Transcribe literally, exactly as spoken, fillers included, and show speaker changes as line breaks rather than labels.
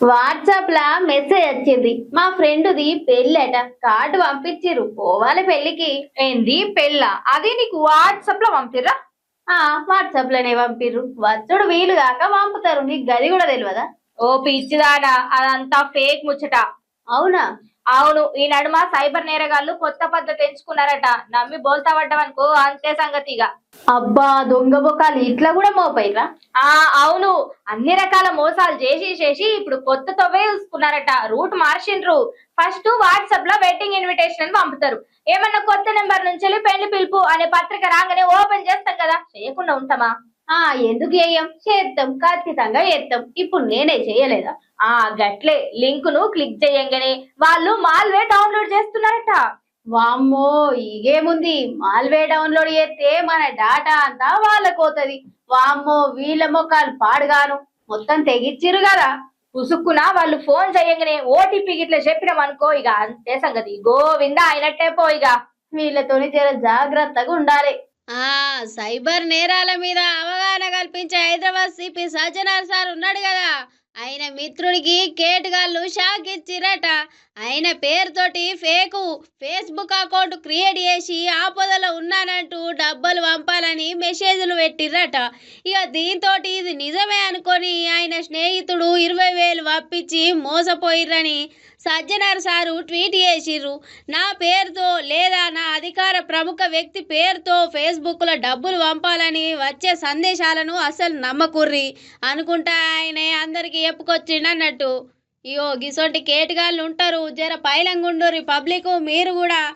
WhatsApp లా message వచ్చింది. మా ఫ్రెండ్ది పెళ్ళట, card పంపించిర్రు, పోవాలి పెళ్ళికి.
ఏంది పెళ్ళ? అది నీకు వాట్సాప్ లో పంపిర్రా?
ఆ వాట్సాప్ లోనే పంపిర్రు. వచ్చుడు వీలు కాక పంపుతారు. నీకు గది కూడా తెలియదా?
ఓ పిచ్చిదానా, అదంతా ఫేక్ ముచ్చట.
అవునా?
అవును, ఈ నడుమ సైబర్ నేరగాళ్ళు కొత్త పద్ధతి ఎంచుకున్నారట. నమ్మి బోల్తా పడ్డవనుకో అంతే సంగతిగా.
అబ్బా, దొంగ బొకాలు ఇట్లా కూడా మోపైరా?
ఆ అవును, అన్ని రకాల మోసాలు చేసి చేసి ఇప్పుడు కొత్త తొవ్వే చూసుకున్నారట. రూట్ మార్చిండ్రు. ఫస్ట్ వాట్సాప్ లో వెడ్డింగ్ ఇన్విటేషన్ అని పంపుతారు. ఏమన్నా కొత్త నెంబర్ నుంచి వెళ్ళి పెళ్లి పిలుపు అనే పత్రిక రాగానే ఓపెన్ చేస్తాం కదా, చేయకుండా ఉంటామా?
ఆ ఎందుకు చేయం? చేస్తాం, ఖచ్చితంగా చేస్తాం. ఇప్పుడు నేనే చేయలేదా?
ఆ గట్లే లింక్ ను క్లిక్ చేయంగానే వాళ్ళు మాల్వేర్ డౌన్లోడ్ చేస్తున్నారట.
వామ్మో, ఇగేముంది, మాల్వే డౌన్లోడ్ చేస్తే మన డాటా అంతా వాళ్ళకి పోతది. వామ్మో, వీళ్ళ మొక్కలు పాడుగాను, మొత్తం తెగిచ్చిరు కదా.
పుసుక్కున వాళ్ళు ఫోన్ చేయంగానే ఓటీపీ గిట్ల చెప్పినాం అనుకో, ఇక అంతే సంగతి, గోవిందా అయినట్టే పో. ఇక
వీళ్ళతోని జర జాగ్రత్తగా ఉండాలి.
ఆ సైబర్ నేరాల మీద అవగాహన కల్పించే హైదరాబాద్ సిపి సజ్జనార్ సార్ ఉన్నాడు కదా, ఆయన మిత్రుడికి కేటుగాళ్ళు షాక్ ఇచ్చిరట. ఆయన పేరుతోటి ఫేకు ఫేస్బుక్ అకౌంట్ క్రియేట్ చేసి ఆపదలో ఉన్నానంటూ డబ్బులు పంపాలని మెసేజ్లు పెట్టిర్రట. ఇక దీంతో ఇది నిజమే అనుకొని ఆయన స్నేహితుడు ఇరవై వేలు పంపించి మోసపోయిర్రని సజ్జనార్ సారు ట్వీట్ చేసిర్రు. నా పేరుతో లేదా నా అధికార ప్రముఖ వ్యక్తి పేరుతో ఫేస్బుక్లో డబ్బులు పంపాలని వచ్చే సందేశాలను అసలు నమ్మకుర్రి అనుకుంటా ఆయనే అందరికి చెప్పుకొచ్చిండన్నట్టు. ఇయో గిసోటి కేటుగాళ్ళు ఉంటారు, జర పైలంగుండూరి పబ్లిక్ మీరు కూడా.